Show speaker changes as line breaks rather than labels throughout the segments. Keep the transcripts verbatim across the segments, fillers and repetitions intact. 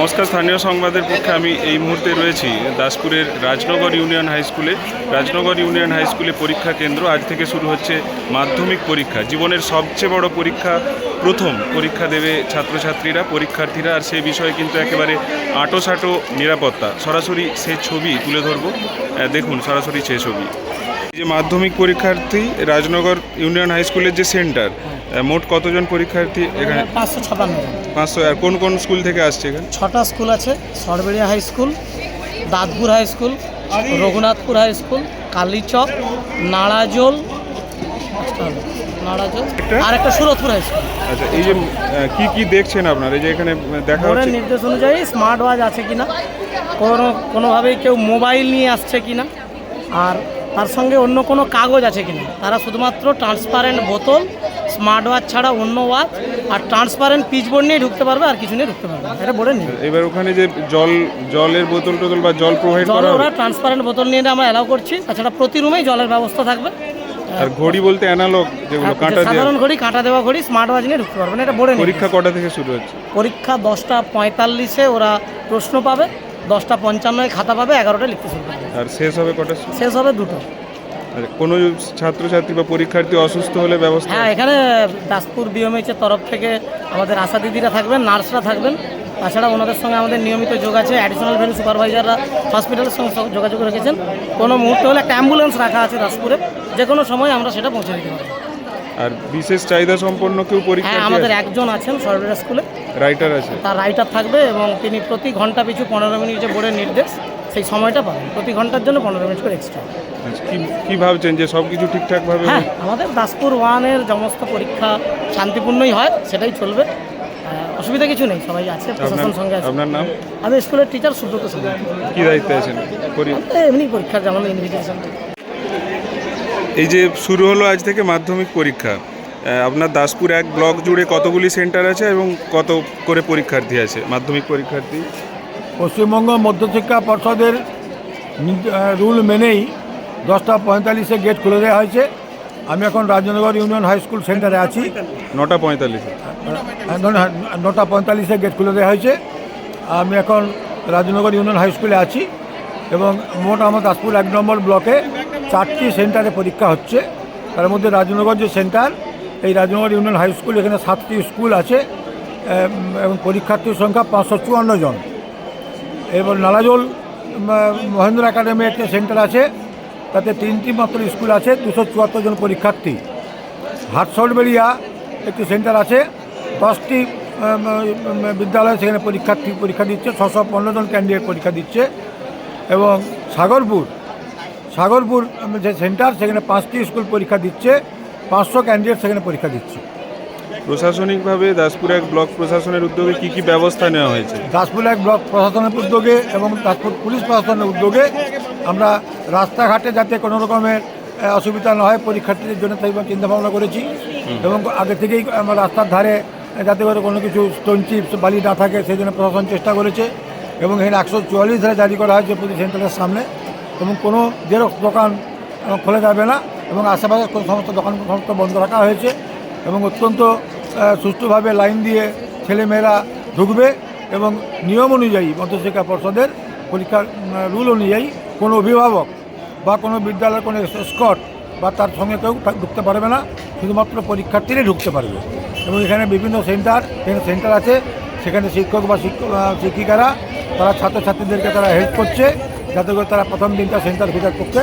নমস্কার, স্থানীয় সংবাদের পক্ষে আমি এই মুহূর্তে রয়েছি দাসপুরের রাজনগর ইউনিয়ন হাই স্কুলে। রাজনগর ইউনিয়ন হাই স্কুলে পরীক্ষা কেন্দ্র। আজ থেকে শুরু হচ্ছে মাধ্যমিক পরীক্ষা। জীবনের সবচেয়ে বড় পরীক্ষা, প্রথম পরীক্ষা দেবে ছাত্রছাত্রীরা, পরীক্ষার্থীরা। আর সেই বিষয়ে কিন্তু একেবারে আঁটোসাঁটো নিরাপত্তা। সরাসরি সে ছবি তুলে ধরবো, দেখুন সরাসরি সে ছবি। এই যে মাধ্যমিক পরীক্ষার্থী, রাজনগর ইউনিয়ন হাই স্কুলের যে সেন্টার, মোট কতজন পরীক্ষার্থী এখানে?
পাঁচশো ছাপান্ন জন।
পাঁচশো। আর কোন কোন স্কুল থেকে আসছে এখানে?
ছটা স্কুল আছে। Sarberia high school, Dantpur high school, Raghunathpur high school, Kalichak, Narajol Narajol আর একটা সুরতপুর হাই স্কুল।
আচ্ছা, এই যে কি কি দেখছেন আপনারা, এই যে এখানে দেখা
বোর্ডের
হচ্ছে
নির্দেশ অনুযায়ী স্মার্ট ওয়াচ আছে কিনা, কোনো কোনোভাবেই কেউ মোবাইল নিয়ে আসছে কিনা, আর তার সঙ্গে অন্য কোনো কাগজ আছে কিনা। তারা শুধুমাত্র ট্রান্সপারেন্ট বোতল, স্মার্ট ওয়াচ ছাড়া অন্য ওয়াচ আর ট্রান্সপারেন্ট পিচবোর্ড নিয়ে ঢুকতে পারবে, আর কিছু নিয়ে ঢুকতে পারবে। এটা বোর্ডের নিয়ে।
এবার ওখানে যে জল জলের বোতল টোতল বা জল প্রোভাইড করা হবে?
ওরা ট্রান্সপারেন্ট বোতল নিয়ে আমরা অ্যালাউ করছি। তাছাড়া প্রতি রুমেই জলের ব্যবস্থা থাকবে।
আর ঘড়ি বলতে অ্যানালগ যেগুলো কাঁটা দেওয়া,
সাধারণ ঘড়ি, কাঁটা দেওয়া ঘড়ি, স্মার্ট ওয়াচ নিয়ে ঢুকতে পারবে না। এটা বোর্ডের।
পরীক্ষা কটা থেকে শুরু হচ্ছে?
পরীক্ষা দশটা পঁয়তাল্লিশে ওরা প্রশ্ন পাবে, দশটা পঞ্চান্নয় খাতা পাবে, এগারোটায় লিখতে শুরু করবে।
আর শেষ হবে কটা?
শেষ হবে দুটো।
আর কোনো ছাত্রছাত্রী বা পরীক্ষার্থী অসুস্থ হলে ব্যবস্থা?
হ্যাঁ, এখানে দাসপুর বিএমএইচের তরফ থেকে আমাদের আশা দিদিরা থাকবেন, নার্সরা থাকবেন। তাছাড়া ওনাদের সঙ্গে আমাদের নিয়মিত যোগ আছে। অ্যাডিশনাল ভ্যালু সুপারভাইজাররা হসপিটালের সঙ্গে যোগাযোগ রেখেছেন। কোনো মুহূর্তে হলে একটা অ্যাম্বুলেন্স রাখা আছে দাসপুরে, যে কোনো সময় আমরা সেটা পৌঁছে দিতে পারবো।
আর বিশেষ চাহিদা সম্পন্ন কেউ পরীক্ষা?
হ্যাঁ, আমাদের একজন আছেন সরবেরা স্কুলে,
রাইটার আছে।
তার রাইটার থাকবে এবং তিনি প্রতি ঘন্টা পিছু পনেরো মিনিট যে বোর্ডের নির্দেশ, সেই সময়টা পাবেন। প্রতি ঘন্টার জন্য পনেরো মিনিট করে এক্সট্রা।
কি কি ভাবছেন যে সব কিছু ঠিকঠাকভাবে?
হ্যাঁ, আমাদের দাসপুর ওয়ানের সমস্ত পরীক্ষা শান্তিপূর্ণই হয়, সেটাই চলবে। অসুবিধা কিছু নেই, সবাই আছে, প্রশাসন সঙ্গে আছে।
আপনার নাম?
আমি স্কুলের টিচার সুব্রত সিং।
কি দায়িত্বে আছেন?
এমনি পরীক্ষার যেমন ইনভিটেশন।
এই যে শুরু হলো আজ থেকে মাধ্যমিক পরীক্ষা, আপনার দাসপুর এক ব্লক জুড়ে কতগুলি সেন্টার আছে এবং কত করে পরীক্ষার্থী আছে, মাধ্যমিক পরীক্ষার্থী?
পশ্চিমবঙ্গ মধ্যশিক্ষা পর্ষদের রুল মেনেই দশটা পঁয়তাল্লিশে গেট খুলে দেওয়া হয়েছে। আমি এখন রাজনগর ইউনিয়ন হাই স্কুল সেন্টারে আছি।
নটা পঁয়তাল্লিশে
নটা পঁয়তাল্লিশে গেট খুলে দেওয়া হয়েছে। আমি এখন রাজনগর ইউনিয়ন হাই স্কুলে আছি এবং মোট আমার দাসপুর এক নম্বর ব্লকে চারটি সেন্টারে পরীক্ষা হচ্ছে। তার মধ্যে রাজনগর যে সেন্টার, এই রাজনগর ইউনিয়ন হাই স্কুল, এখানে সাতটি স্কুল আছে এবং পরীক্ষার্থীর সংখ্যা পাঁচশো চুয়ান্ন জন। এবার নালাজোল মহেন্দ্র একাডেমি একটা সেন্টার আছে, তাতে তিনটি মাত্র স্কুল আছে, দুশো চুয়াত্তর জন পরীক্ষার্থী। হাটসরবেড়িয়া একটি সেন্টার আছে, দশটি বিদ্যালয় সেখানে পরীক্ষার্থী পরীক্ষা দিচ্ছে, ছশো পনেরো জন ক্যান্ডিডেট পরীক্ষা দিচ্ছে। এবং সাগরপুর সাগরপুর যে সেন্টার, সেখানে পাঁচটি স্কুল পরীক্ষা দিচ্ছে, পাঁচশো ক্যান্ডিডেট সেখানে পরীক্ষা দিচ্ছে।
প্রশাসনিকভাবে দাসপুর এক ব্লক প্রশাসনের উদ্যোগে কি কি ব্যবস্থা নেওয়া হয়েছে?
দাসপুর এক ব্লক প্রশাসনের উদ্যোগে এবং দাসপুর পুলিশ প্রশাসনের উদ্যোগে আমরা রাস্তাঘাটে যাতে কোনো রকমের অসুবিধা না হয় পরীক্ষার্থীদের জন্য, তাই চিন্তা ভাবনা করেছি। এবং আগে থেকেই আমরা রাস্তার ধারে যাতে করে কোনো কিছু স্টোন চিপস বালি না থাকে, সেই জন্য প্রশাসন চেষ্টা করেছে। এবং এখানে একশো চুয়াল্লিশ ধারে জারি করা হয়েছে প্রতি সেন্টারের সামনে, এবং কোনো জেরক্স দোকান খোলা যাবে না এবং আশেপাশে কোনো সমস্ত দোকান সমস্ত বন্ধ রাখা হয়েছে। এবং অত্যন্ত সুষ্ঠুভাবে লাইন দিয়ে ছেলেমেয়েরা ঢুকবে এবং নিয়ম অনুযায়ী মধ্যশিক্ষা পর্ষদের পরীক্ষার রুল অনুযায়ী কোনো অভিভাবক বা কোনো বিদ্যালয়ের কোনো স্কট বা তার সঙ্গে কেউ ঢুকতে পারবে না, শুধুমাত্র পরীক্ষার্থীরাই ঢুকতে পারবে। এবং এখানে বিভিন্ন সেন্টার এখানে সেন্টার আছে, সেখানে শিক্ষক বা শিক্ষিকারা তারা ছাত্রছাত্রীদেরকে তারা হেল্প করছে, যাতে করে তারা প্রথম দিনটা সেন্টার খোঁজার পক্ষে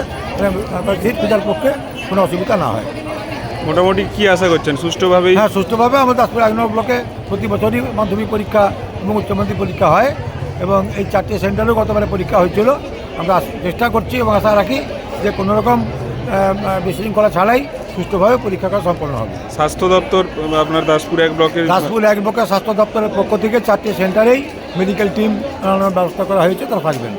সিট খোঁজার পক্ষে কোনো অসুবিধা না হয়।
মোটামুটি কি আশা করছেন সুষ্ঠুভাবেই?
হ্যাঁ, সুষ্ঠুভাবে আমাদের দাসপুর এক নম্বর ব্লকে প্রতি বছরই মাধ্যমিক পরীক্ষা এবং উচ্চ মাধ্যমিক পরীক্ষা হয় এবং এই চারটি সেন্টারেও গতবারে পরীক্ষা হয়েছিল। আমরা চেষ্টা করছি এবং আশা রাখি যে কোনো রকম বিশৃঙ্খলা ছাড়াই সুষ্ঠুভাবে পরীক্ষা করা সম্পন্ন হবে।
স্বাস্থ্য দপ্তর আপনার দাসপুর এক ব্লকের
দাসপুর এক ব্লকের স্বাস্থ্য দপ্তরের পক্ষ থেকে চারটি সেন্টারেই মেডিকেল টিম ব্যবস্থা করা হয়েছে, তারা থাকবেন।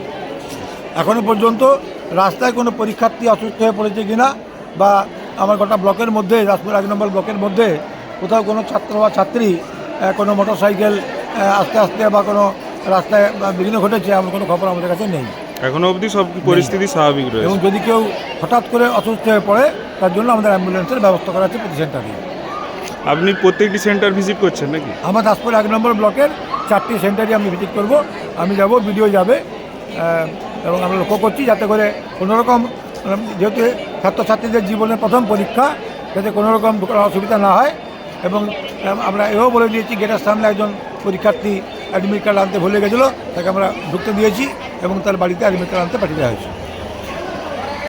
এখনও পর্যন্ত রাস্তায় কোনো পরীক্ষার্থী অসুস্থ হয়ে পড়েছে কিনা বা আমার গোটা ব্লকের মধ্যে, দাসপুর এক নম্বর ব্লকের মধ্যে কোথাও কোনো ছাত্র বা ছাত্রী কোনো মোটর সাইকেল আস্তে আস্তে বা কোনো রাস্তায় বিঘ্ন ঘটেছে, এমন কোনো খবর আমাদের কাছে নেই।
এখনো অবধি সব পরিস্থিতি স্বাভাবিক রয়েছে।
এবং যদি কেউ হঠাৎ করে অসুস্থ হয়ে পড়ে, তার জন্য আমাদের অ্যাম্বুলেন্সের ব্যবস্থা করা আছে প্রতি সেন্টারে।
আপনি প্রত্যেকটি সেন্টার ভিজিট করছেন নাকি?
আমার দাসপুর এক নম্বর ব্লকের চারটি সেন্টারে আমি ভিজিট করব, আমি যাব, ভিডিও যাবে, আহ, এবং আমরা লক্ষ্য করছি যাতে করে কোনোরকম যেহেতু ছাত্রছাত্রীদের জীবনের প্রথম পরীক্ষা, যাতে কোনোরকম অসুবিধা না হয়। এবং আমরা এও বলে দিয়েছি গেটের সামনে একজন পরীক্ষার্থী অ্যাডমিট কার্ড আনতে ভুলে গেছিলো, তাকে আমরা ঢুকতে দিয়েছি এবং তার বাড়িতে অ্যাডমিট কার্ড আনতে পাঠিয়ে দেওয়া হয়েছে।